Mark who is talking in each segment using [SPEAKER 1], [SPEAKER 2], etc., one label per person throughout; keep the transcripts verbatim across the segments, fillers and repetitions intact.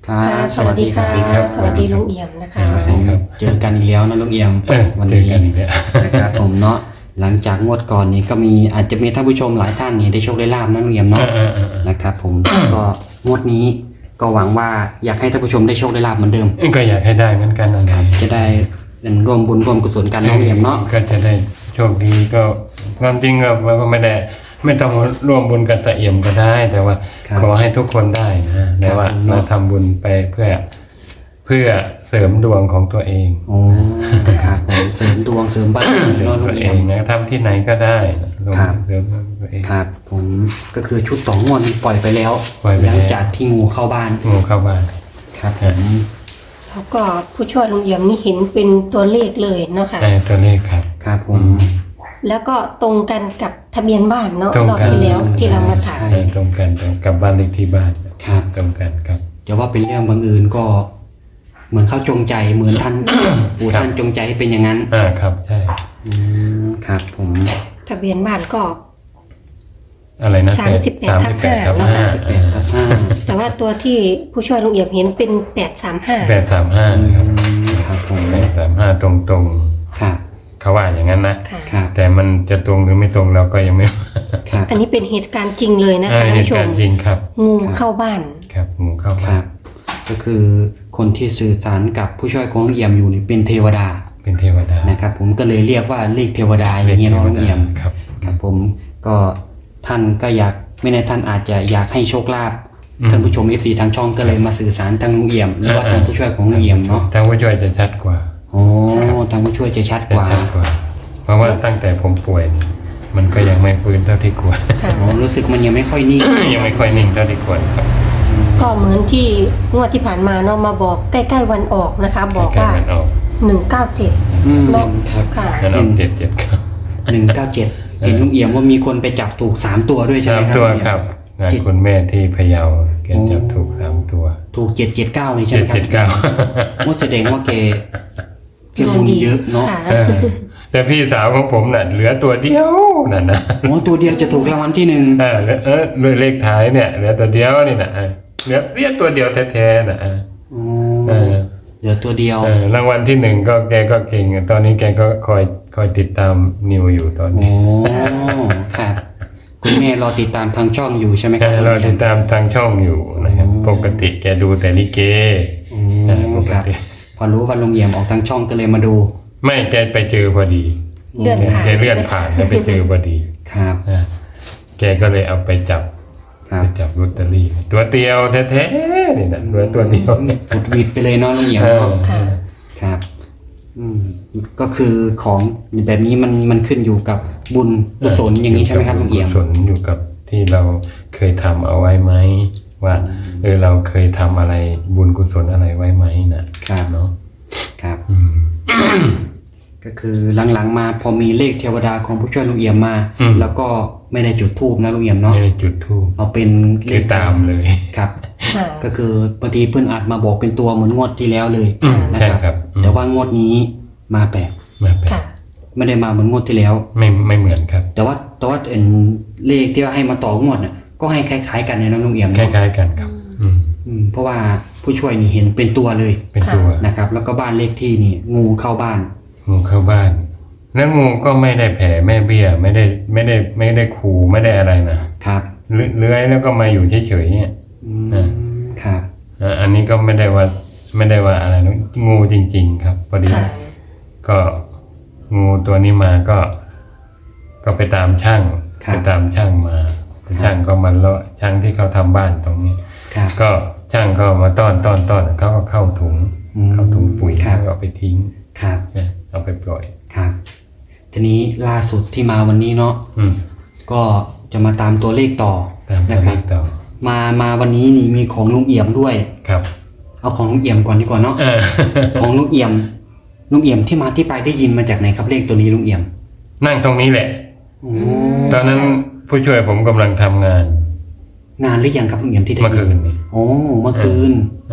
[SPEAKER 1] ครับสวัสดีค่ะสวัสดีลุงเอี่ยมนะคะ
[SPEAKER 2] เจอกันอีกแล้วนะลุงเอี่ยม
[SPEAKER 3] วันนี้
[SPEAKER 2] นะครับผมเนาะหลังจากงวดก่อนนี้ก็มีอาจจะมีท่านผู้ชมหลายท่านนี่ได้โชคได้ลาบนะลุงเอี่ยมเนาะนะครับผมก็งวดนี้ก็หวังว่าอยากให้ท่านผู้ชมได้โชคได้ลาบเหมือนเดิม
[SPEAKER 3] ก็อยากให้ได้เหมือนกันนะครับ
[SPEAKER 2] จะได้ร่วมบุญร่วมกุศลกันลุงเอี่ยมเนาะ
[SPEAKER 3] ก็จะได้โชคดีก็ความจริงก็ไม่ได้ไม่ต้องร่วมบุญกับตาเอี่ยมก็ได้แต่ว่าขอให้ทุกคนได้นะแต่ว่าเราทำบุญไปเพื่อเพื่อเสริมดวงของตัวเอง
[SPEAKER 2] โอ้ครับเสริมดวงเสริมบ้าน
[SPEAKER 3] นอนตัวเองนะทำที่ไหนก็ได้
[SPEAKER 2] เสริมตัวเองครับผมก็คือชุดต่องวดปล่อยไปแล้วหลังจากที่งูเข้าบ้าน
[SPEAKER 3] งูเข้าบ้าน
[SPEAKER 2] ครับผม
[SPEAKER 1] แล้วก็ผู้ช่วยลุงเอี่ยมนี่เห็นเป็นตัวเลขเลยเนาะค่ะ
[SPEAKER 3] ใช่ตัวเลขครับ
[SPEAKER 2] ครับผม
[SPEAKER 1] แล้วก็ตรงกันกับทะเบียนบ้านเนาะรอบที่แล้วที่เรามาถ่าย
[SPEAKER 3] ตรงกันกับบ้านเลขที่บ้าน
[SPEAKER 2] ครับ
[SPEAKER 3] ตรงกันครับ
[SPEAKER 2] จะว่าเป็นเรื่องบังเอิญก็เหมือนเขาจงใจเหมือนท่านปู่ท่านจงใจให้เป็นอย่างนั้น
[SPEAKER 3] อ่าครับใช่
[SPEAKER 2] อืมครับผม
[SPEAKER 1] ทะเบียนบ้านก็
[SPEAKER 3] อะไรนะ
[SPEAKER 1] สามสิบแปดทับห้า
[SPEAKER 2] สามสิบแปดทับห้า
[SPEAKER 1] แต่ว่าตัวที่ผู้ช่วยลุงเอี่ยมเห็นเป็นแปดสามห้า
[SPEAKER 3] แปดสามห้าครับ
[SPEAKER 2] ครับผม
[SPEAKER 3] แปดสามห้าตรงตรง
[SPEAKER 2] ครับ
[SPEAKER 3] เขาว่าอย่างนั้นนะแต่มันจะตรงหรือไม่ตรงเราก็ยังไม่
[SPEAKER 1] อันนี้เป็นเหตุการณ์จริงเลยนะคะท่านผู้ชม
[SPEAKER 3] จริงครับ
[SPEAKER 1] งูเข้าบ้าน
[SPEAKER 3] ครับงูเข้าบ้าน
[SPEAKER 2] ก็คือคนที่สื่อสารกับผู้ช่วยของลุงเอี่ยมอยู่นี่เป็นเทวดา
[SPEAKER 3] เป็นเทวดา
[SPEAKER 2] นะครับผมก็เลยเรียกว่าเลขเทวดาอย่างเงี้ยลุงเอี่ยม
[SPEAKER 3] ครับ
[SPEAKER 2] ครับผมก็ท่านก็อยากไม่แน่ท่านอาจจะอยากให้โชคลาภท่านผู้ชม เอฟ ซี ทางช่องก็เลยมาสื่อสารทางลุงเอี่ยมหรือว่าทางผู้ช่วยของลุงเอี่ยมเนาะ
[SPEAKER 3] ทางผู้ช่วยจะชัดกว่า
[SPEAKER 2] โอ้ทางผู้ช่วยจะชัดกว่า
[SPEAKER 3] เพราะว่าตั้งแต่ผมป่วยมันก็ยังไม่ฟื้นเท่าที่ควร
[SPEAKER 2] รู้สึกมันยังไม่ค่อยนิ่ง
[SPEAKER 3] ยังไม่ค่อยนิ่งเท่าที่ควรครับ
[SPEAKER 1] ก็เหมือนที่งวดที่ผ่านมาเนาะมาบอกใกล้ๆวันออกนะคะบอกว่าหนึ่งเก้าเจ็ด
[SPEAKER 2] เนาะ
[SPEAKER 1] ค่ะ
[SPEAKER 3] หนึ่งเจ็ดเจ็ดครับ
[SPEAKER 2] หนึ่งเก้าเจ็ดเห็นลุงเอี่ยมว่ามีคนไปจับถูกสามตัวด้วยใช่ไหมครับ
[SPEAKER 3] สามตัวครับงานคุณแม่ที่พะเยาแกจับถูกสามตัว
[SPEAKER 2] ถูกเจ็ดเจ็ดเก้านี่ใช่ไหมครับ
[SPEAKER 3] เจ็ดเจ็ดเก้า
[SPEAKER 2] ว่าแสดงว่าแกแกบุญเยอะเนาะ
[SPEAKER 3] แต่พี่สาวของผมน่ะเหลือตัวเดียวนั่นนะ
[SPEAKER 2] โอ้ตัวเดียวจะถูกรางวัลที่หนึ่ง
[SPEAKER 3] เออเออเลขท้ายเนี่ยเหลือตัวเดียวนี่นะเหลือเรียกตัวเดียวแท้ๆนะ
[SPEAKER 2] อ๋อเหลือตัวเดียว
[SPEAKER 3] รางวัลที่หนึ่งก็แกก็เก่งตอนนี้แกก็คอยคอยติดตามนิวอยู่ตอนนี้
[SPEAKER 2] โอ้ครับคุณแม่รอติดตามทางช่องอยู่ใช่ไหมครับ
[SPEAKER 3] รอติดตามทางช่องอยู่นะครับปกติแกดูแต่ลิเก
[SPEAKER 2] ปกติพอรู้ว่าลุงเอี่ยมออกทางช่องก็เลยมาดู
[SPEAKER 3] ไม่แกไปเจอพอดี
[SPEAKER 1] เลื่อนผ่าน
[SPEAKER 3] แกเลื่อนผ่านแล้วไปเจอพอดี
[SPEAKER 2] ครับ
[SPEAKER 3] แกก็เลยเอาไปจับไปจับลอตเตอรี่ตัวเดียวแท้ๆนี่นะเหลือตัวเดียว
[SPEAKER 2] สุดวิดไปเลยเนาะลุงเอี่ยมครับก็คือของแบบนี้มันมันขึ้นอยู่กับบุญกุศลอย่างนี้ใช่ไหมครับลุงเอี่ยม
[SPEAKER 3] กุศลอยู่กับที่เราเคยทำเอาไว้ไหมว่าเออเราเคยทำอะไรบุญกุศลอะไรไว้ไหมนะครับเนาะ
[SPEAKER 2] ครับก็คือหลังๆมาพอมีเลขเทวดาของผู้ช่วยลุงเอี่ยมมาแล้วก็ไม่ได้จุดธูปนะลุงเอี่ยมเนาะ
[SPEAKER 3] ไม่ได้จุดธูป
[SPEAKER 2] เอาเป็น
[SPEAKER 3] เลขตามเลย
[SPEAKER 2] ครับก็คือบางทีเพื่อนอาจมาบอกเป็นตัวเหมือนงวดที่แล้วเลยนะครับแต่ว่างวดนี้มาแปลก
[SPEAKER 3] มาแปลก
[SPEAKER 2] ไม่ได้มาเหมือนงวดที่แล้ว
[SPEAKER 3] ไม่ไม่เหมือนครับ
[SPEAKER 2] แต่ว่าแต่ว่าเป็นเลขที่ว่าให้มาต่องวดน่ะก็ให้คล้ายๆกันในน้องลุงเอี่ยม
[SPEAKER 3] คล้ายๆกันครับ
[SPEAKER 2] เพราะว่าผู้ช่วยนี่เห็นเป็นตัวเลย
[SPEAKER 3] เป็นตัว
[SPEAKER 2] นะครับแล้วก็บ้านเลขที่นี่งูเข้าบ้าน
[SPEAKER 3] งูเข้าบ้านแล้วงูก็ไม่ได้แผ่แม่เบี้ยไม่ได้ไม่ได้ไม่ได้ขู่ไม่ได้อะไรนะครับเลื้อยแล้วก็มาอยู่เฉยๆเนี่ย
[SPEAKER 2] ครับ
[SPEAKER 3] อันนี้ก็ไม่ได้ว่าไม่ได้ว่าอะไรนะงูจริงๆครับพอดีก็งูตัวนี้มาก็ก็ไปตามช่างไปตามช่างมาช่างก็มาเลาะช่างที่เขาทำบ้านตรงนี้ก็ช่างก็มาต้อนต้อนต้อนเขาก็เข้าถุงเข้าถุงปุ๋ยแล้วก็เอาไปทิ้ง
[SPEAKER 2] ครับ
[SPEAKER 3] เอาไปปล่อย
[SPEAKER 2] ครับทีนี้ล่าสุดที่มาวันนี้เนาะก็จะมาตามตัวเลขต่อ
[SPEAKER 3] นะครับ
[SPEAKER 2] มามาวันนี้นี่มีของลุงเอี่ยมด้วย
[SPEAKER 3] ครับ
[SPEAKER 2] เอาของลุงเอี่ยมก่อนดีกว่าเนาะของลุงเอี่ยมลุงเอี่ยมที่มาที่ไปได้ยินมาจากไหนครับเลขตัวนี้ลุงเอี่ยม
[SPEAKER 3] นั่งตรงนี้แหละตอนนั้นผู้ช่วยผมกำลังทำงาน
[SPEAKER 2] นานหรือยังครับลุงเอี่ยมที่ได้ยิน
[SPEAKER 3] เมื่อคืน
[SPEAKER 2] โอ้เมื่อคืน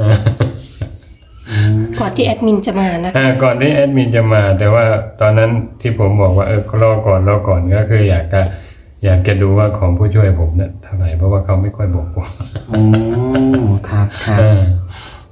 [SPEAKER 1] ก่อนที่แอดมินจะมานะ
[SPEAKER 3] ก่อนที่แอดมินจะมาแต่ว่าตอนนั้นที่ผมบอกว่าเออรอก่อนรอก่อนก็คืออยากจะอยากจะดูว่าของผู้ช่วยผมเนี่ยเท่าไหร่เพราะว่าเขาไม่ค่อยบอกผม
[SPEAKER 2] อ๋อครับครับ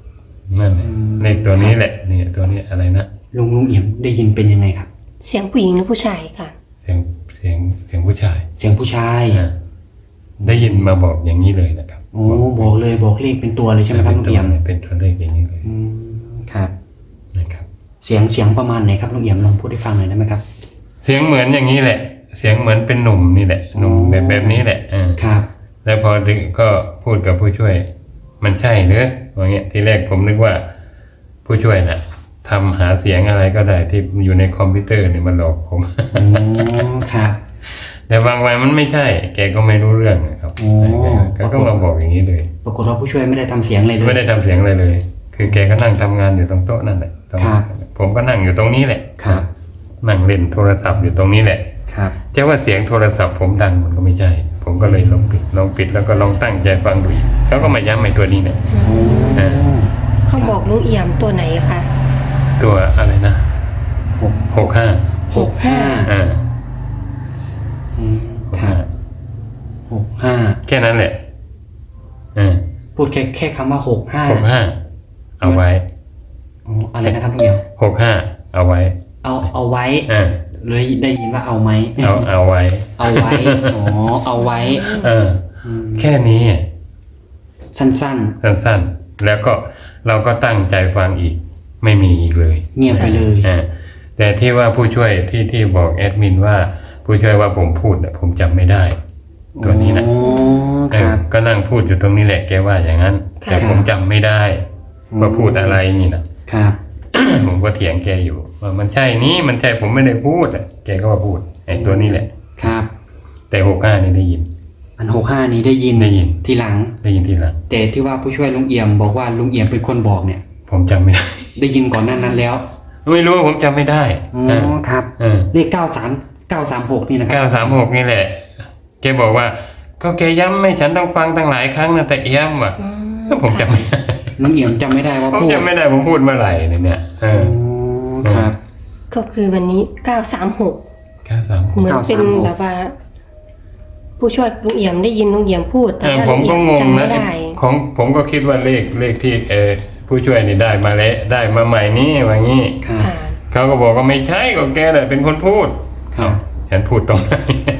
[SPEAKER 3] นั่นแหละเลขตัวนี้แหละนี่ตัวนี้อะไรนะ
[SPEAKER 2] ลุงลุงเอี่ยมได้ยินเป็นยังไงครับ
[SPEAKER 1] เสียงผู้หญิงหรือผู้ชายค่ะ
[SPEAKER 3] เสียงเสียงเสียงผู้ชาย
[SPEAKER 2] เสียงผู้ชาย
[SPEAKER 3] อ่ะได้ยินมาบอกอย่างนี้เลยนะครับ
[SPEAKER 2] โอ้บอกเลยบอกเลขเป็นตัวเลยใช่ไหมครับลุงเอี่ยม
[SPEAKER 3] เป็นตัวเลขอย่างนี้เลย
[SPEAKER 2] อืมครับ
[SPEAKER 3] นะครับ
[SPEAKER 2] เสียงเสียงประมาณไหนครับลุงเอี่ยมลองพูดให้ฟังหน่อยได้ไหมครับ
[SPEAKER 3] เสียงเหมือนอย่างนี้แหละ เสียงเหมือนเป็นหนุ่มนี่แหละหนุ่มแบบแบบนี้แหละอ่า
[SPEAKER 2] ครับ
[SPEAKER 3] แล้วพอถึงก็พูดกับผู้ช่วย มันใช่หรืออย่างเงี้ยทีแรกผมนึกว่า ผู้ช่วยน่ะทำหาเสียงอะไรก็ได้ที่อยู่ในคอมพิวเตอร์เนี่ยมันหลอกผม
[SPEAKER 2] อ๋อครับ
[SPEAKER 3] แต่บางวันมันไม่ใช่ แกก็ไม่รู้เรื่องนะครับ
[SPEAKER 2] โอ้
[SPEAKER 3] แกก็มาบอกอย่างนี้เลย
[SPEAKER 2] ปรากฏว่าผู้ช่วยไม่ได้ทำเสียงอะไรเลย
[SPEAKER 3] ไม่ได้ทำเสียงอะไรเลย คือแกก็นั่งทำงานอยู่ตรงโต๊ะนั่นแหละตรง
[SPEAKER 2] ครับ
[SPEAKER 3] ผมก็นั่งอยู่ตรงนี้แหละ
[SPEAKER 2] ครับ
[SPEAKER 3] นั่งเล่นโทรศัพท์อยู่ตรงนี้แหละ
[SPEAKER 2] ครับ
[SPEAKER 3] จะว่าเสียงโทรศัพท์ผมดังมันก็ไม่ใช่ ผมก็เลยลองปิดลองปิดแล้วก็ลองตั้งใจฟังดูอีกเขาก็มาย้ำไอ้ตัวนี้เนี่ย
[SPEAKER 2] โอ้
[SPEAKER 3] อ่า
[SPEAKER 1] เขาบอกลุงเอี่ยมตัวไหนคะ
[SPEAKER 3] ตัวอะไรนะ
[SPEAKER 2] หก
[SPEAKER 3] หกห้า
[SPEAKER 2] หกห้า
[SPEAKER 3] อ่า
[SPEAKER 2] อืมครับหกห้า
[SPEAKER 3] แค่นั้นแหละอ่า
[SPEAKER 2] พูดแค่แค่คำว่าหกห้า
[SPEAKER 3] หกห้าเอาไว้
[SPEAKER 2] อ๋ออะไรนะครับลุงเอี่ยม
[SPEAKER 3] หกห้าเอาไว้
[SPEAKER 2] เอาเอาไว้
[SPEAKER 3] อ่า
[SPEAKER 2] เลยได้ยินว่าเอาไหม
[SPEAKER 3] เอาเอาไว้
[SPEAKER 2] เอาไว้ อ๋อ เอาไว้
[SPEAKER 3] เออ
[SPEAKER 2] อืม
[SPEAKER 3] แค่นี้
[SPEAKER 2] สั้น
[SPEAKER 3] สั้นๆแล้วก็เราก็ตั้งใจฟังอีก ไม่มีอีกเลย
[SPEAKER 2] ๆ เงียบไปเลย
[SPEAKER 3] อ่าแต่ที่ว่าผู้ช่วยที่ที่บอกแอดมินว่า ผู้ช่วยว่าผมพูดเนี่ยผมจำไม่ได้ ตัวนี้นะ
[SPEAKER 2] อ๋อ
[SPEAKER 3] เอ
[SPEAKER 2] ค
[SPEAKER 3] อ
[SPEAKER 2] รับ
[SPEAKER 3] ก็นั่งพูดอยู่ตรงนี้แหละแกว่าอย่างนั้น
[SPEAKER 1] ค่ะ
[SPEAKER 3] แต่ผมจำไม่ได้ว่าพูดอะไรนี่นะครับ ผมก็เถียงแกอยู่ว่ามันใช่นี้มันใช่ผมไม่ได้พูดอ่ะแกก็ว่าพูดไอ้ตัวนี้แหละ
[SPEAKER 2] ครับ
[SPEAKER 3] แต่หกห้านี่ได้ยิน
[SPEAKER 2] อันหกห้านี้ได้ยิน
[SPEAKER 3] ได้ยิน
[SPEAKER 2] ทีหลัง
[SPEAKER 3] ได้ยินทีหลัง
[SPEAKER 2] แต่ที่ว่าผู้ช่วยลุงเอี่ยมบอกว่าลุงเอี่ยมเป็นคนบอกเนี่ย
[SPEAKER 3] ผมจำไม่ได้
[SPEAKER 2] ได้ยินก่อนหน้านั้นแล้ว
[SPEAKER 3] ไม่รู้ว่าผมจำไม่ได้
[SPEAKER 2] อ๋อครับ
[SPEAKER 3] เออ
[SPEAKER 2] เลขเก้าสามเก้าสามหกนี่นะครั
[SPEAKER 3] เก้าสามหกนี่แหละ แกบอกว่า ก็แกย้ำให้ฉันต้องฟังตั้งหลายครั้งนะแต่ย้ำว่ะ
[SPEAKER 1] อืม
[SPEAKER 3] แล้วผมจำไม่ได้
[SPEAKER 2] ลุงเอี่ยมจำไม่ได้ว่า
[SPEAKER 3] ผม
[SPEAKER 2] พูด
[SPEAKER 3] จำไม่ได้ผมพูดเมื่อไหร่เนี่ยเอ
[SPEAKER 2] อ๋
[SPEAKER 3] อ
[SPEAKER 2] อครับ
[SPEAKER 1] ก็คือวันนี้เก้าสามหก
[SPEAKER 3] เก้าสามหก
[SPEAKER 1] เหมือนเป็น
[SPEAKER 2] เก้าสามหก
[SPEAKER 1] แบบว่า ผู้ช่วยลุงเอี่ยมได้ยินลุงเอี่ยมพูดแต่
[SPEAKER 3] เออ
[SPEAKER 1] ว่า
[SPEAKER 3] ผ
[SPEAKER 1] ลุ
[SPEAKER 3] ม
[SPEAKER 1] งเอี่
[SPEAKER 3] ก็
[SPEAKER 1] ยม
[SPEAKER 3] งง
[SPEAKER 1] จำไม่
[SPEAKER 3] นะ
[SPEAKER 1] ได้
[SPEAKER 3] ของผมก็คิดว่าเลขเลขที่เออผู้ช่วยนี่ได้มาแล้วได้มาใหม่นี้ว่างี้
[SPEAKER 2] ครับ
[SPEAKER 1] ค่ะ
[SPEAKER 3] เขาก็บอกว่าไม่ใช่ก็แกแหละเป็นคนพูด
[SPEAKER 2] ครับ
[SPEAKER 3] ฉันพูดตรงไหน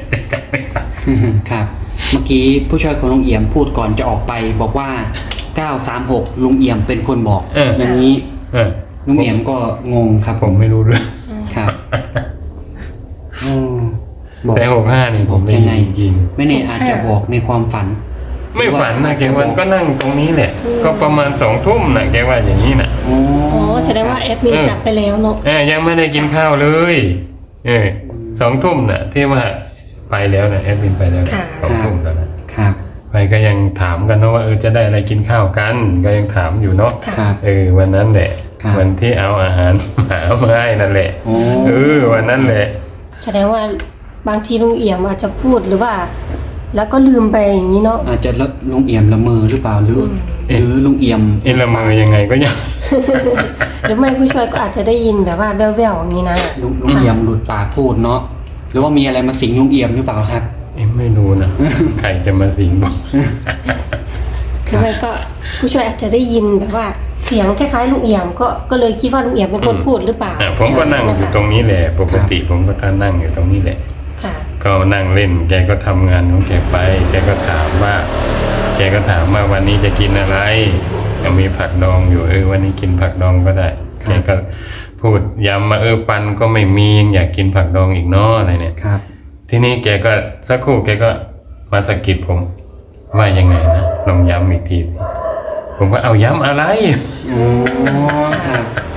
[SPEAKER 2] ครับ เมื่อกี้ผู้ช่วยของลุงเอี่ยมพูดก่อนจะออกไปบอกว่าเก้าสามหกลุงเอี่ยมเป็นคนบอก
[SPEAKER 3] เออ
[SPEAKER 2] อย่างนี้
[SPEAKER 3] เออ
[SPEAKER 2] ลุงเอี่ยมก็งงครับ
[SPEAKER 3] ผมไม่รู้เรื่อง
[SPEAKER 2] ครับอืมบอก
[SPEAKER 3] แต่หกห้านี่ผมได้
[SPEAKER 2] ยังไง
[SPEAKER 3] ยินจริง
[SPEAKER 2] ไม่แน่อาจจะบอกในความฝัน
[SPEAKER 3] ไม่ฝันนะแกวันก็นั่งตรงนี้แหละ ก็ประมาณสองทุ่มนะแกว่าอย่างนี้นะ
[SPEAKER 2] อ๋อ
[SPEAKER 1] อ๋อแสดงว่าแอดมินกลับไปแล้วเนาะ
[SPEAKER 3] เออยังไม่ได้กินข้าวเลย เออสองทุ่มน่ะ ที่ว่าไปแล้วนะแอดมินไปแล้วนะสองทุ่มแล้วนะครับ ไปก็ยังถามกันเนาะว่าเออจะได้อะไรกินข้าวกัน ก็ยังถามอยู่เนาะ
[SPEAKER 1] ค่ะ
[SPEAKER 2] ครับ
[SPEAKER 3] เออวันนั้นแหละ
[SPEAKER 2] ครับ
[SPEAKER 3] วันที่เอาอาหาร หามาให้นั่นแหละ
[SPEAKER 2] อ๋อ
[SPEAKER 3] เออวันนั้นแหละ
[SPEAKER 1] แสดงว่าบางทีลุงเอี่ยมอาจจะพูดหรือว่า แล้วก็ลืมไปอย่างนี้เนาะ
[SPEAKER 2] อาจจะละลุงเอี่ยมละเมอหรือเปล่าหรือ
[SPEAKER 1] อืม
[SPEAKER 2] หรือลุงเอี่ยม
[SPEAKER 3] เอ็นละเมอยังไงก็ยัง
[SPEAKER 1] หรือไม่ผู้ช่วยก็อาจจะได้ยินแบบว่าแว่วๆอย่างนี้นะ
[SPEAKER 2] ลุงลุงเอี่ยมหลุดปากพูดเนาะหรือว่ามีอะไรมาสิงลุงเอี่ยมหรือเปล่าครับ
[SPEAKER 3] เอ็มไม่รู้นะ ใครจะมาสิงบอก
[SPEAKER 1] หรือไม่ก็ผู้ช่วยอาจจะได้ยินแบบว่าเสียงคล้ายๆลุงเอี่ยมก็ก็เลยคิดว่าลุงเอี่ยมเป็นคนพูดหรือเปล่า
[SPEAKER 3] อ่ะผมก็นั่งอยู่ตรงนี้แหละปกติผมก็ท่านั่งอยู่ตรงนี้แหละ
[SPEAKER 1] ค่ะ
[SPEAKER 3] ก็นั่งเล่น แกก็ทำงานของแกไป แกก็ถามว่า แกก็ถามว่าวันนี้จะกินอะไรยังมีผักดองอยู่เออวันนี้กินผักดองก็ได้ แกก็พูดย้ำมาเออปันก็ไม่มียังอยากกินผักดองอีกเนาะอะไรเนี่ย
[SPEAKER 2] ครับ
[SPEAKER 3] ทีนี้แกก็สักครู่แกก็มาสะกิดผม ว่ายังไงนะลองย้ำอีกทีสิผมก็เอาย้ำอะไร
[SPEAKER 2] อ๋อครับ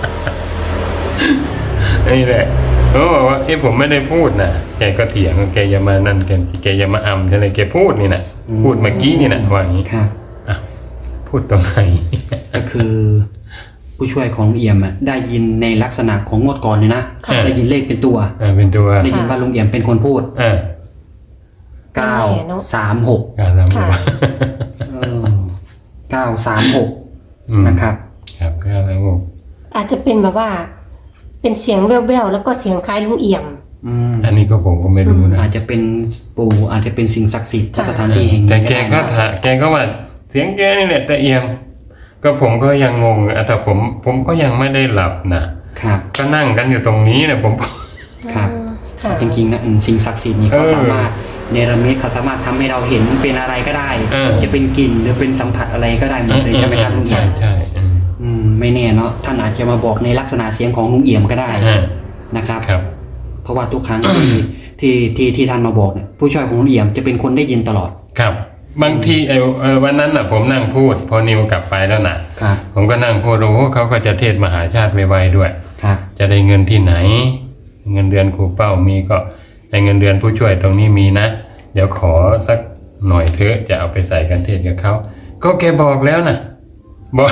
[SPEAKER 3] นี่แหละเขาบอกว่าเอ้ผมไม่ได้พูดนะแกก็เถียงแกอย่ามานั่นแกแกอย่ามาอำอะไรแกพูดนี่นะพูดเมื่อกี้นี่นะว่าอย่างนี้
[SPEAKER 2] ครับ
[SPEAKER 3] อ่ะพูดตรงไหน
[SPEAKER 2] ก็คือ ผู้ช่วยของลุงเอี่ยมอะได้ยินในลักษณะของงวดก่อนเลยนะ
[SPEAKER 1] ค่ะ
[SPEAKER 2] ได้ยินเลขเป็นตัว
[SPEAKER 3] อ่าเป็นตัว
[SPEAKER 2] ได้ยินว่าลุงเอี่ยมเป็นคนพูด
[SPEAKER 3] อ่า
[SPEAKER 2] เก้าสามหก
[SPEAKER 3] การละมัว
[SPEAKER 2] เออเก้าสามหก
[SPEAKER 3] อืม
[SPEAKER 2] นะครับ
[SPEAKER 3] ครับการละมัว
[SPEAKER 1] อาจจะเป็นแบบว่า เป็นเสียงแว่วๆแล้วก็เสียงคล้ายลุงเอี่ยม
[SPEAKER 2] อืม
[SPEAKER 3] อันนี้ก็ผมก็ไม่รู้นะ
[SPEAKER 2] อาจจะเป็นปู่อาจจะเป็นสิ่งศักดิ์สิทธิ์ณ
[SPEAKER 1] ค่ะ
[SPEAKER 2] สถานที่แห่ง
[SPEAKER 3] แต่
[SPEAKER 2] นี้
[SPEAKER 3] แกก็
[SPEAKER 2] ได้นะ
[SPEAKER 3] ถาแกก็ว่าเสียงแกนี่แหละแต่เอียมก็ผมก็ยังงงแต่ผมผมก็ยังไม่ได้หลับนะครับก็นั่งกันอยู่ตรงนี้นะผม
[SPEAKER 2] ครับ
[SPEAKER 1] ค่ะ
[SPEAKER 2] จริงๆนะอืมสิ่งศักดิ์สิทธิ์นี่เขา
[SPEAKER 3] เออ
[SPEAKER 2] สามารถเนรมิตเขาสามารถทำให้เราเห็นเป็นอะไรก็ได้
[SPEAKER 3] เออ
[SPEAKER 2] จะเป็นกลิ่นหรือเป็นสัมผัสอะไรก็ได้หมดเลยใช่ไหมครับลุงเอี่
[SPEAKER 3] ใช่
[SPEAKER 2] ยม
[SPEAKER 3] ใช่อืม
[SPEAKER 2] อืมไม่แน่เนาะท่านอาจจะมาบอกในลักษณะเสียงของลุงเอี่ยมก็ได้
[SPEAKER 3] อ่า
[SPEAKER 2] นะครับ
[SPEAKER 3] ครับ
[SPEAKER 2] เพราะว่าทุกครั้งที่ที่ที่ที่ท่านมาบอกเนี่ยผู้ช่วยของลุงเอี่ยมจะเป็นคนได้ยินตลอด
[SPEAKER 3] ครับ บางทีไอ้เออวันนั้นน่ะผมนั่งพูด พอนิวกลับไปแล้วนะครับ ผมก็นั่งพูดโอ้โหเขาก็จะเทศมหาชาติไวๆด้วย
[SPEAKER 2] ครับ
[SPEAKER 3] จะได้เงินที่ไหน เงินเดือนครูเป้ามีก็ในเงินเดือนผู้ช่วยตรงนี้มีนะเดี๋ยวขอสักหน่อยเถอะจะเอาไปใส่กันเทศกับเขาก็แกบอกแล้วนะบอก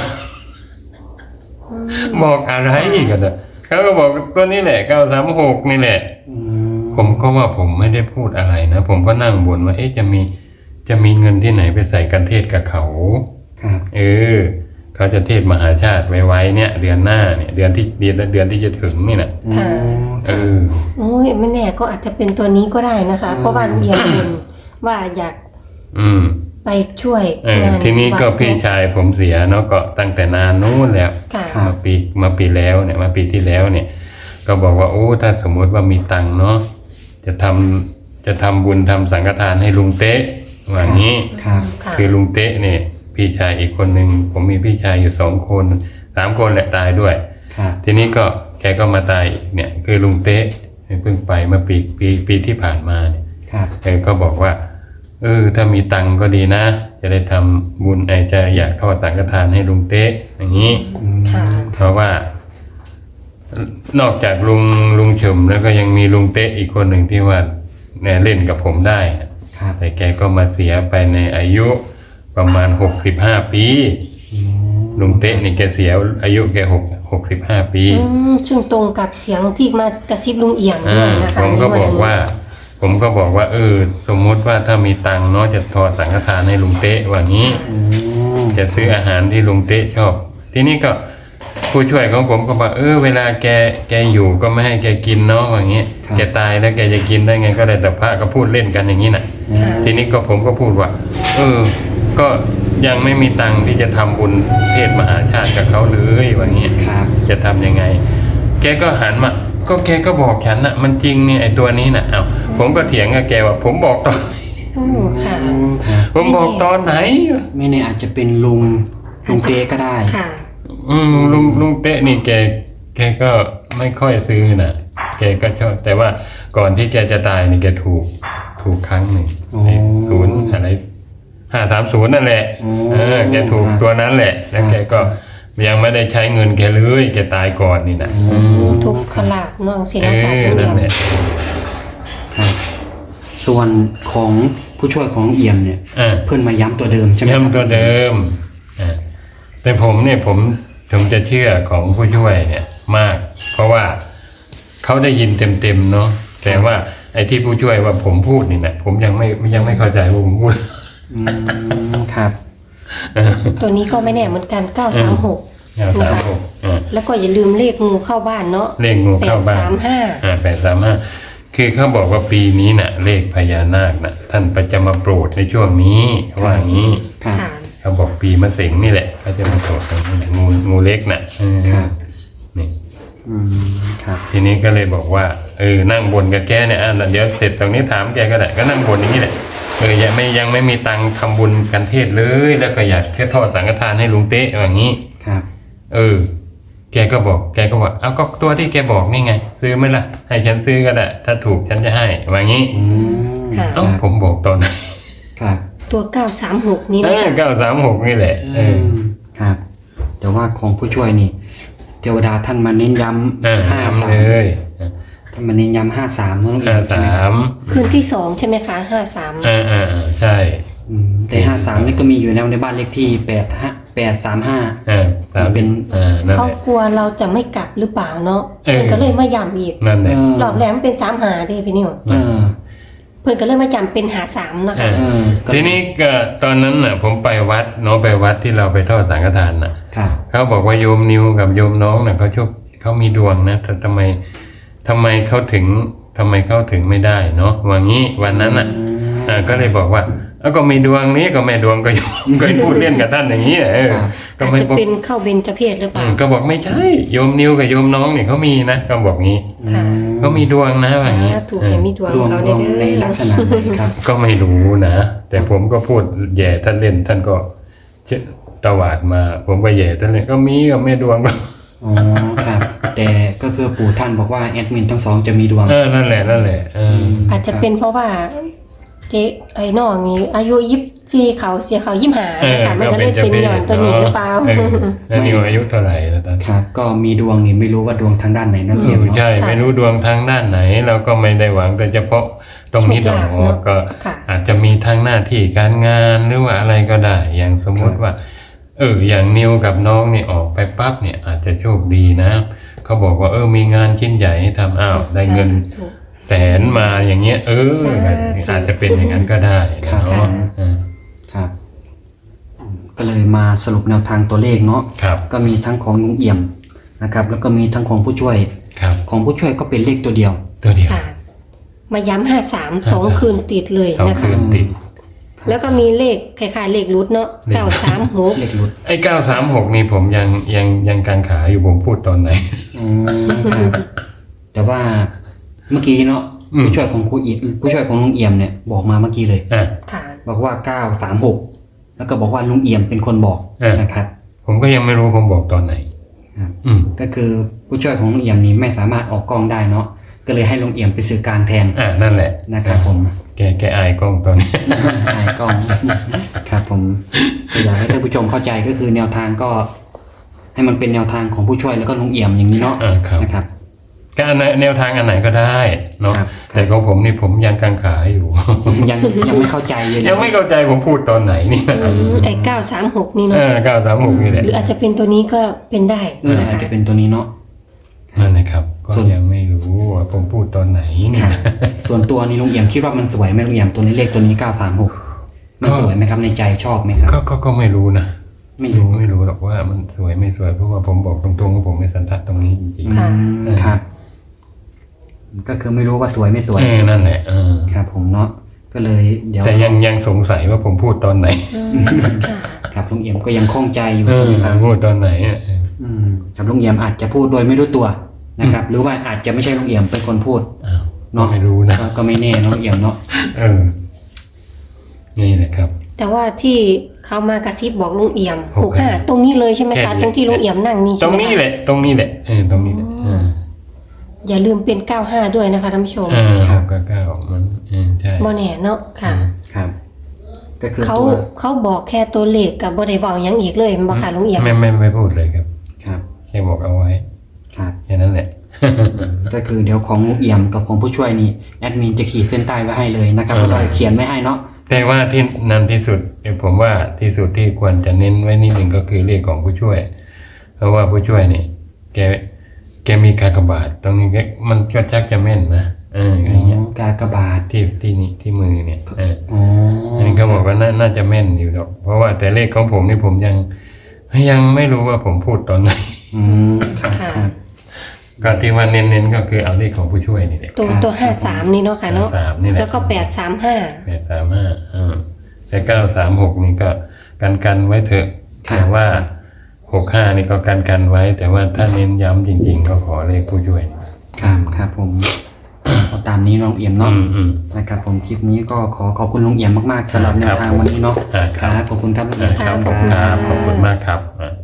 [SPEAKER 3] บอกอะไรอีกอะเนี่ยเขาก็บอกตัวนี้แหละเก้าสามหกนี่แหละ
[SPEAKER 2] อืม
[SPEAKER 3] ผมก็ว่าผมไม่ได้พูดอะไรนะผมก็นั่งบ่นว่าเอ๊ะจะมีจะมีเงินที่ไหนไปใส่กันเทศกับเขา
[SPEAKER 2] ครับ
[SPEAKER 3] เออเขาจะเทศมหาชาติไว้ๆเนี่ย เดือนหน้าเนี่ยเดือนที่เดือนเดือนที่จะถึงนี่นะ
[SPEAKER 1] ค่ะ
[SPEAKER 3] เออ
[SPEAKER 1] โอ้ยไม่แน่ก็อาจจะเป็นตัวนี้ก็ได้นะคะ เพราะว่าลุงเอี่ยมบ่นว่าอยาก
[SPEAKER 3] อืม
[SPEAKER 1] ไปช่วย
[SPEAKER 3] เออง
[SPEAKER 1] าน
[SPEAKER 3] ทีนี้ก็
[SPEAKER 1] วัด
[SPEAKER 3] พี่ชายผมเสียเนาะก็ตั้งแต่นานนู้นแล้ว
[SPEAKER 1] ค่ะ
[SPEAKER 3] มาปีมาปีแล้วเนี่ยมาปีที่แล้วเนี่ย ก็บอกว่าโอ้ถ้าสมมุติว่ามีตังค์เนาะจะทำจะทำบุญทำสังฆทานให้ลุงเต๊ะว่างี้
[SPEAKER 2] ครับ
[SPEAKER 1] ค่ะ
[SPEAKER 3] คือลุงเต๊ะเนี่ยพี่ชายอีกคนหนึ่งผมมีพี่ชายอยู่สองคนสามคนแหละตายด้วย
[SPEAKER 2] ครับ
[SPEAKER 3] ทีนี้ก็แกก็มาตายอีกเนี่ยคือลุงเต๊ะเพิ่งไปเมื่อปีปีปีที่ผ่านมาเนี่ย
[SPEAKER 2] ครับ
[SPEAKER 3] แกก็บอกว่าเออถ้ามีตังค์ก็ดีนะ จะได้ทำบุญไอจะอยากทอดสังฆทานให้ลุงเต๊ะอย่างนี้
[SPEAKER 2] อืม
[SPEAKER 1] ค่ะ
[SPEAKER 3] เพราะว่า นอกจากลุงลุงเฉิมแล้วก็ยังมีลุงเต๊ะอีกคนหนึ่งที่ว่าเนี่ยเล่นกับผมได้
[SPEAKER 2] ครับ
[SPEAKER 3] แต่แกก็มาเสียไปในอายุประมาณหกสิบห้าปี
[SPEAKER 2] อืม
[SPEAKER 3] ลุงเต๊ะนี่แกเสียอายุแกหกหกสิบห้าปี
[SPEAKER 1] อืมซึ่งตรงกับเสียงที่มากระซิบลุงเอี่ยมด้
[SPEAKER 3] อ่า
[SPEAKER 1] วยนะคะ
[SPEAKER 3] ผมก็บอกว่า ผมก็บอกว่า เออ สมมุติว่าถ้ามีตังค์เนาะจะทอดสังฆทานให้ลุงเต๊ะว่างี้
[SPEAKER 2] อืม
[SPEAKER 3] จะซื้ออาหารที่ลุงเต๊ะชอบ ทีนี้ก็ผู้ช่วยของผมก็บอกเออเวลาแกแกอยู่ก็ไม่ให้แกกินเนาะว่างี้แกตายแล้วแกจะกินได้ไงก็ได้แต่พระก็พูดเล่นกันอย่างนี้น่ะ
[SPEAKER 1] ค่ะ
[SPEAKER 3] ทีนี้ก็ผมก็พูดว่า เออ ก็ยังไม่มีตังค์ที่จะทำบุญเทศมหาชาติกับเขาเลยว่างี้
[SPEAKER 2] ครับ
[SPEAKER 3] จะทำยังไง แกก็หันมา ก็แกก็บอกฉันน่ะ มันจริงเนี่ยไอ้ตัวนี้น่ะ เอ้าผมก็เถียงกับแกว่า ผมบอกตอน
[SPEAKER 1] โอ้ค่ะ
[SPEAKER 2] อืมครับ
[SPEAKER 3] ผมบอกตอนไหน
[SPEAKER 2] ไม่แน่อาจจะเป็นลุงลุงเต้ก็ได้
[SPEAKER 1] ค่ะ
[SPEAKER 3] อืมลุงลุงเต๊ะนี่แก แกก็ไม่ค่อยซื้อน่ะ แกก็ชอบ แต่ว่าก่อนที่แกจะตายนี่แกถูก ถูกครั้งหนึ่ง
[SPEAKER 2] อ๋อ
[SPEAKER 3] ไอ้ศูนย์อะไรห้าสามศูนย์นั่นแหละ
[SPEAKER 2] อ๋อ
[SPEAKER 3] เออ แกถูก
[SPEAKER 2] ครับ
[SPEAKER 3] ตัวนั้นแหละ แล้ว
[SPEAKER 2] ครับ
[SPEAKER 3] แกก็ยังไม่ได้ใช้เงินแกเลยแกตายก่อนนี่นะ
[SPEAKER 2] อืม
[SPEAKER 1] ทุกขลาบน้องสิ
[SPEAKER 3] เอ
[SPEAKER 1] นะคะ
[SPEAKER 3] อ
[SPEAKER 1] ลุง
[SPEAKER 3] นั่
[SPEAKER 1] เอี่ย
[SPEAKER 3] น
[SPEAKER 1] ม
[SPEAKER 3] แหละ
[SPEAKER 2] ครับ ส่วนของผู้ช่วยของเอี่ยมเนี่ย
[SPEAKER 3] อ่า
[SPEAKER 2] เพื่อนมาย้ำตัวเดิมใช่ไหมครับ
[SPEAKER 3] ย้ำตัวเดิมอ่าแต่ผมเนี่ยผมผมจะเชื่อของผู้ช่วยเนี่ยมาก เพราะว่าเขาได้ยินเต็มๆเนาะแต่ว่าไอ้ที่ผู้ช่วยว่าผมพูดนี่นะผมยังไม่ยังไม่เข้าใจว่าผมพูด
[SPEAKER 2] อืมครับ
[SPEAKER 1] ตัวนี้ก็ไม่แน่เหมือนกันเก้าสามหก
[SPEAKER 3] ยาวสามหกอ่า
[SPEAKER 1] แล้วก็อย่าลืมเลขงูเข้าบ้านเนาะ
[SPEAKER 3] เลขงู
[SPEAKER 1] แป
[SPEAKER 3] เข้า
[SPEAKER 1] ด
[SPEAKER 3] บ้าน
[SPEAKER 1] สามห้า
[SPEAKER 3] อ่าแปดสามห้าคือเขาบอกว่าปีนี้น่ะ เลขพญานาคน่ะ ท่านประจะมาโปรดในช่วงนี้เขาว่าอย่างนี้
[SPEAKER 2] ครับ
[SPEAKER 1] ค่ะ
[SPEAKER 3] เขาบอกปีมะเสงนี่แหละเขาจะมาโปรดตรงนี้แหละงูงูเล็กน่ะเออ
[SPEAKER 2] ครับ
[SPEAKER 3] นี่
[SPEAKER 2] อืมครับ
[SPEAKER 3] ทีนี้ก็เลยบอกว่าเออนั่งบนกับแกเนี่ยอ่ะเดี๋ยวเสร็จตรงนี้ถามแกก็ได้ก็นั่งบนอย่างนี้แหละเออยังไม่ยังไม่มีตังค์ทำบุญกันเทศเลย แล้วก็อยากแค่ทอดสังฆทานให้ลุงเต๊ะอย่างนี้
[SPEAKER 2] ครับ
[SPEAKER 3] เออ แกก็บอกแกก็บอกเอาก็ตัวที่แกบอกนี่ไง ซื้อไหมล่ะให้ฉันซื้อก็ได้ถ้าถูกฉันจะให้ว่างี้
[SPEAKER 2] อืม
[SPEAKER 1] ค่ะ
[SPEAKER 3] เอ้าผมบอกตอนไหน
[SPEAKER 2] ครับ
[SPEAKER 1] ตัวเก้าสามหกนี้
[SPEAKER 3] เอ
[SPEAKER 1] นะ
[SPEAKER 3] อ
[SPEAKER 1] คะ
[SPEAKER 3] เก้าสามหกนี่แหละเออ
[SPEAKER 2] มครับ แต่ว่าของผู้ช่วยนี่เทวดาท่านมาเน้นย้
[SPEAKER 3] อ่า
[SPEAKER 2] ำห้า
[SPEAKER 3] ทำ
[SPEAKER 2] สา
[SPEAKER 3] เล
[SPEAKER 2] ม
[SPEAKER 3] ย
[SPEAKER 2] ท่านมาเน้นย้ำห้าสามน้องเอี่
[SPEAKER 3] ห้าย
[SPEAKER 2] มใช่ไหม
[SPEAKER 3] สา
[SPEAKER 2] ครับ
[SPEAKER 3] ม
[SPEAKER 1] คืนที่สองใช่ไหมคะห้าสาม
[SPEAKER 3] อ่าอ่าอ่าใช่
[SPEAKER 2] อืมแต่ห้าสามนี่ก็มีอยู่แล้วในบ้านเลขที่แปดห้าแปดสามห้า
[SPEAKER 3] อ่าสาม
[SPEAKER 2] เป็น
[SPEAKER 3] อ่านั่น
[SPEAKER 1] เขา
[SPEAKER 3] แหละ
[SPEAKER 1] กลัวเราจะไม่กลับหรือเปล่าเนาะ
[SPEAKER 3] เออ
[SPEAKER 1] เพื่อนก็เลยมาย้ำอีก
[SPEAKER 3] นั่นแหละ
[SPEAKER 1] รอบแรกมันเป็นสามหาเด้พี่นิว
[SPEAKER 2] เออ
[SPEAKER 1] เพื่อนก็เลยมาจำเป็นหาสามนะคะ
[SPEAKER 3] อ่า
[SPEAKER 2] เออก็
[SPEAKER 3] ทีนี้ก็ตอนนั้นน่ะ ผมไปวัดเนาะไปวัดที่เราไปทอดสังฆทานน่ะ
[SPEAKER 2] ครับ
[SPEAKER 3] เขาบอกว่าโยมนิวกับโยมน้องน่ะเขาโชคเขามีดวงนะแต่ทำไมทำไมเขาถึงทำไมเขาถึงไม่ได้เนาะว่างี้วันนั้นน่ะ
[SPEAKER 2] อืม
[SPEAKER 3] อ่าก็เลยบอกว่าแล้วก็มีดวงนี้ก็แม่ดวงก็อยู่ ก็พูดเล่นกับท่านอย่างนี้เออก็
[SPEAKER 1] อาจ
[SPEAKER 3] ไม่
[SPEAKER 1] จะ
[SPEAKER 3] บอก
[SPEAKER 1] เป็นเข้าเบญจเพศหรือเป
[SPEAKER 3] อื
[SPEAKER 1] ล่าม
[SPEAKER 3] ก็บอกไม่ใช่โยมนิวกับโยมน้องเนี่ยเขามีนะก็บอกงี้
[SPEAKER 1] ค่ะ
[SPEAKER 3] เขามีดวงนะอย่างนี้
[SPEAKER 1] สาธุให้มีดวง
[SPEAKER 2] ดวง
[SPEAKER 1] เขา
[SPEAKER 2] ด
[SPEAKER 1] ได้
[SPEAKER 2] วงใน
[SPEAKER 1] เด้
[SPEAKER 2] ลั
[SPEAKER 1] อก
[SPEAKER 2] ษณะไหนครับ
[SPEAKER 3] ก็ไม่รู้นะแต่ผมก็พูดแย่ท่านเล่นท่านก็เชตวาดมา ผมก็แย่ท่านเล่นก็มีก็แม่ดวงก็
[SPEAKER 2] อ๋อครับ แต่ก็คือปู่ท่านบอกว่าแอดมินทั้งสองจะมีดวง
[SPEAKER 3] เออนั่นแหละนั่นแหละเออ
[SPEAKER 1] อาจจะเป็นเพราะว่าเจ๊ไอ้น้องนี้อายุยี่สี่เขาเสียเขายี่ห้า
[SPEAKER 3] เออ
[SPEAKER 1] ค่ะมันก็เลยเป็นหย่อนตัวนี้หรือเปล่า
[SPEAKER 3] เออแล้วนิวอายุเท่าไหร่แล้วตอน
[SPEAKER 2] ครับ ก็มีดวงนี่ไม่รู้ว่าดวงทางด้านไหนนั่นเอง
[SPEAKER 3] ไม่
[SPEAKER 2] เนาะ
[SPEAKER 3] ใช่ไม่รู้ดวงทางด้านไหน เราก็ไม่ได้หวังแต่เฉพาะตรงนี้ดอกก็
[SPEAKER 1] ค่ะ
[SPEAKER 3] อาจจะมีทางหน้าที่การงานหรือว่าอะไรก็ได้ อย่างสมมติว่า เอออย่างนิวกับน้องนี่ออกไปปั๊บเนี่ยอาจจะโชคดีนะเขาบอกว่าเออมีงานชิ้นใหญ่ให้ทำอ้าวได้เงิน
[SPEAKER 1] ถูก
[SPEAKER 3] แสนมาอย่างเงี้ย เออ
[SPEAKER 1] ใช่
[SPEAKER 3] อาจจะเป็นอย่างนั้นก็ได้นะเนาะเออ
[SPEAKER 2] ครับอืมก็เลยมาสรุปแนวทางตัวเลขเนาะ
[SPEAKER 3] ครับ
[SPEAKER 2] ก็มีทั้งของลุงเอี่ยมนะครับ แล้วก็มีทั้งของผู้ช่วย
[SPEAKER 3] ครับ
[SPEAKER 2] ของผู้ช่วยก็เป็นเลขตัวเดียว
[SPEAKER 3] ตัวเดียว
[SPEAKER 1] ค่ะ มาย้ำห้าสามสองคืนติดเลย
[SPEAKER 3] สอง
[SPEAKER 1] นะ
[SPEAKER 3] คื
[SPEAKER 1] คะ
[SPEAKER 3] นติด
[SPEAKER 1] แล้วก็มีเลขคล้ายๆเลขรุดเนาะ
[SPEAKER 3] เลข
[SPEAKER 1] เก้าสามหก
[SPEAKER 2] เลขหลุด
[SPEAKER 3] ไอ้เก้าสามหกนี่ผมยังยังยังกังขาอยู่ผมพูดตอนไหน
[SPEAKER 2] อืมครับแต่ว่าเมื่อกี้เนาะ
[SPEAKER 3] อืม
[SPEAKER 2] ผู้ช่วยของครูอิผู้ช่วยของลุงเอี่ยมเนี่ยบอกมาเมื่อกี้เลย
[SPEAKER 3] อ่ะ
[SPEAKER 1] ค่ะ
[SPEAKER 2] บอกว่าเก้าสามหกแล้วก็บอกว่าลุงเอี่ยมเป็นคนบอก
[SPEAKER 3] เออ
[SPEAKER 2] นะครับ
[SPEAKER 3] ผมก็ยังไม่รู้ผมบอกตอนไหน
[SPEAKER 2] ครับ
[SPEAKER 3] อืม
[SPEAKER 2] ก็คือผู้ช่วยของลุงเอี่ยมนี้ไม่สามารถออกกล้องได้เนาะก็เลยให้ลุงเอี่ยมไปสื่อกลางแทน
[SPEAKER 3] อ่ะนั่นแหละ
[SPEAKER 2] นะครับผม
[SPEAKER 3] แกแกอายกล้องตอนนี้
[SPEAKER 2] ไอ้กล้อง ครับผมก็อยากให้ท่านผู้ชมเข้าใจก็คือแนวทางก็ ให้มันเป็นแนวทางของผู้ช่วยแล้วก็ลุงเอี่ยมอย่างนี้เนาะ
[SPEAKER 3] อ่าครับ
[SPEAKER 2] นะครับ
[SPEAKER 3] ก็อันไหนแนวทางอันไหนก็ได้เนาะ
[SPEAKER 2] ครับ
[SPEAKER 3] แต่ของผมนี่ผมยังกังขาอยู่
[SPEAKER 2] ยังยังไม่เข้าใจเลยนะ
[SPEAKER 3] ยังไม่เข้าใจผมพูดตอนไหนนี่
[SPEAKER 1] อืมไอ้เก้าสามหกนี่
[SPEAKER 3] เอ
[SPEAKER 1] เนาะ
[SPEAKER 3] อเก้าสามหกนี่แหละ
[SPEAKER 1] หรืออาจจะเป็นตัวนี้ก็เป็นได้
[SPEAKER 2] เออ
[SPEAKER 1] นะ
[SPEAKER 2] อาจ
[SPEAKER 1] คะ
[SPEAKER 2] จะเป็นตัวนี้เนาะ
[SPEAKER 3] นั่นนะครับ ก็
[SPEAKER 2] ส่วน
[SPEAKER 3] ยังไม่รู้ว่าผมพูดตอนไหนนี่
[SPEAKER 2] ครับส่วนตัวนี้ลุงเอี่ยมคิดว่ามันสวยไหมลุงเอี่ยมตัวนี้เลขตัวนี้เก้าสามหกมันสวยไหมครับในใจชอบไหมครับ
[SPEAKER 3] ก็ก็ก็ไม่รู้นะ
[SPEAKER 2] ไม่รู้
[SPEAKER 3] ไม่รู้หรอกว่ามันสวยไม่สวยเพราะว่าผมบอกตรงๆว่าผมไม่สันทัดตรงนี้จริง
[SPEAKER 1] ค่ะ
[SPEAKER 2] อืมครับ ก็คือไม่รู้ว่าสวยไม่ส
[SPEAKER 3] ๆ
[SPEAKER 2] วย
[SPEAKER 3] เออนั่นแหละเออ
[SPEAKER 2] ครับ ผมเนาะก็เลยเดี๋ยว
[SPEAKER 3] แต่ยังยังสงสัยว่าผมพูดตอนไหน
[SPEAKER 1] อืมค่ะ
[SPEAKER 2] ครับลุงเอี่ยมก็ยังคล่องใจอยู่
[SPEAKER 3] เอ
[SPEAKER 2] ใช่
[SPEAKER 3] อ
[SPEAKER 2] ไหมครับ
[SPEAKER 3] พูดตอนไหนอ่ะ
[SPEAKER 2] อืมครับลุงเอี่ยมอาจจะพูดโดยไม่รู้ตัวนะครับ หรือว่าอาจจะไม่ใช่ลุงเอี่ยมเป็นคนพูด
[SPEAKER 3] อ้าว
[SPEAKER 2] เนาะ
[SPEAKER 3] ไม่รู้นะ
[SPEAKER 2] ก็ก็ไม่แน่เนาะลุงเอี่ยมเนาะ
[SPEAKER 3] เออ นี่แหละครับ
[SPEAKER 1] แต่ว่าที่เขามากระซิบบอกลุงเอี่ยม
[SPEAKER 3] ห
[SPEAKER 1] ห
[SPEAKER 3] ก
[SPEAKER 1] ก
[SPEAKER 3] ห้า
[SPEAKER 1] ห้าตรงนี้เลยใช่ไหม
[SPEAKER 3] แค่
[SPEAKER 1] คะ
[SPEAKER 3] นี้
[SPEAKER 1] ตรงที่ลุงเอี่ยมนั่งนี่
[SPEAKER 3] ตร
[SPEAKER 1] ใช่
[SPEAKER 3] ง
[SPEAKER 1] ไหม
[SPEAKER 3] นี้
[SPEAKER 1] คะ
[SPEAKER 3] แหละ ตรงนี้แหละเออตรงนี้แหละเออ
[SPEAKER 1] อย่าลืมเป็นเก้าห้าด้วยนะคะท่านผู้ชม
[SPEAKER 3] เออหกกับเก้ามันเออใช่
[SPEAKER 1] บ่แน่เนาะค่ะ
[SPEAKER 2] ครับ ก็คือ
[SPEAKER 1] เขา
[SPEAKER 2] ตัว
[SPEAKER 1] เขาบอกแค่ตัวเลขกับบ่ได้บอกหยังอีกเลยแมันบ่ค่ะลุงเอี่ยม
[SPEAKER 3] ไม่ไม่ไม่พูดเลยครับ
[SPEAKER 2] ครับ
[SPEAKER 3] แค่บอกเอาไว้
[SPEAKER 2] ครับ
[SPEAKER 3] แค่นั้นแหละ
[SPEAKER 2] ก็คือเดี๋ยวของลุงเอี่ยมกับของผู้ช่วยนี่แอดมินจะขีดเส้นใต้ไว้ให้เลยนะครับ
[SPEAKER 3] เออ
[SPEAKER 2] แล้วก็เขียนไว้ให้เนาะ
[SPEAKER 3] แต่ว่าที่นำที่สุดผมว่าที่สุดที่ควรจะเน้นไว้นิดหนึ่งก็คือเลขของผู้ช่วย เพราะว่าผู้ช่วยนี่แกแกมีกากบาทตรงนี้แกมันก็ชักจะแม่นนะเอออย่างเงี้ย
[SPEAKER 2] กากบาท
[SPEAKER 3] ที่ที่นี่ที่มือเนี่ยเออ
[SPEAKER 2] อ๋อ
[SPEAKER 3] อันนี้ก็บอกว่าน่าน่าจะแม่นอยู่หรอกเพราะว่าแต่เลขของผมนี่ผมยังยังไม่รู้ว่าผมพูดตอนไหน
[SPEAKER 2] อืมครับครับ
[SPEAKER 3] ก็ที่ว่าเน้นๆก็คือเอาเลขของผู้ช่วยนี่แหละ
[SPEAKER 1] ตัวตัวห้าสามนี่เนาะค่ะเนาะ
[SPEAKER 3] สามนี่แหละ
[SPEAKER 1] แล้วก็แปดสามห้า
[SPEAKER 3] แปดสามห้าอืมแต่เก้าสามหกนี่ก็กันกันไว้เถอะ
[SPEAKER 2] ครับ
[SPEAKER 3] แต่ว่าหกห้านี่ก็กันกันไว้ แต่ว่าถ้าเน้นย้ำจริง ๆ ก็ขอเลขผู้ช่วย
[SPEAKER 2] ครับครับผมเอาตามนี้น้องเอี่ยม
[SPEAKER 3] อื
[SPEAKER 2] เนาะ
[SPEAKER 3] มอืม
[SPEAKER 2] นะครับผมคลิปนี้ก็ขอขอบคุณลุงเอี่ยมมากๆสำหรับแนวทางวันนี้เนาะ
[SPEAKER 3] อ่าค
[SPEAKER 2] ค
[SPEAKER 3] รั
[SPEAKER 2] รั
[SPEAKER 3] บบ
[SPEAKER 2] ขอบคุณครับลุง
[SPEAKER 3] อ่า
[SPEAKER 2] เอี่ยม
[SPEAKER 3] ครับขอบคุณครับขอบคุณมากครับอ่า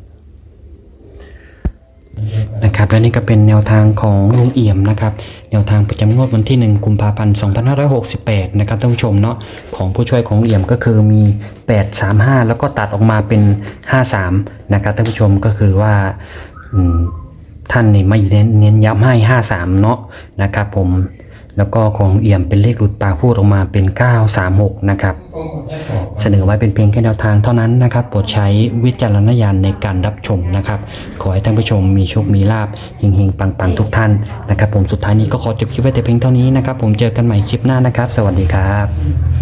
[SPEAKER 2] นะครับและนี่ก็เป็นแนวทางของลุงเอี่ยมนะครับแนวทางประจำงวดวันที่หนึ่งกุมภาพันธ์สองพันห้าร้อยหกสิบแปดนะครับท่านผู้ชมเนาะของผู้ช่วยของลุงเอี่ยมก็คือมีแปดสามห้าแล้วก็ตัดออกมาเป็นห้าสามนะครับท่านผู้ชมก็คือว่าอืมท่านนี่ไม่เน้นเน้นย้ำให้ห้าสามเนาะนะครับผมแล้วก็ของเอี่ยมเป็นเลขหลุดปากพูดออกมาเป็นเก้าสามหกนะครับเสนอไว้เป็นเพียงแค่แนวทางเท่านั้นนะครับโปรดใช้วิจารณญาณในการรับชมนะครับขอให้ท่านผู้ชมมีโชคมีลาภเฮงๆปังๆทุกท่านนะครับผมสุดท้ายนี้ก็ขอจบคลิปไว้แต่เพียงเท่านี้นะครับผมเจอกันใหม่คลิปหน้านะครับสวัสดีครับ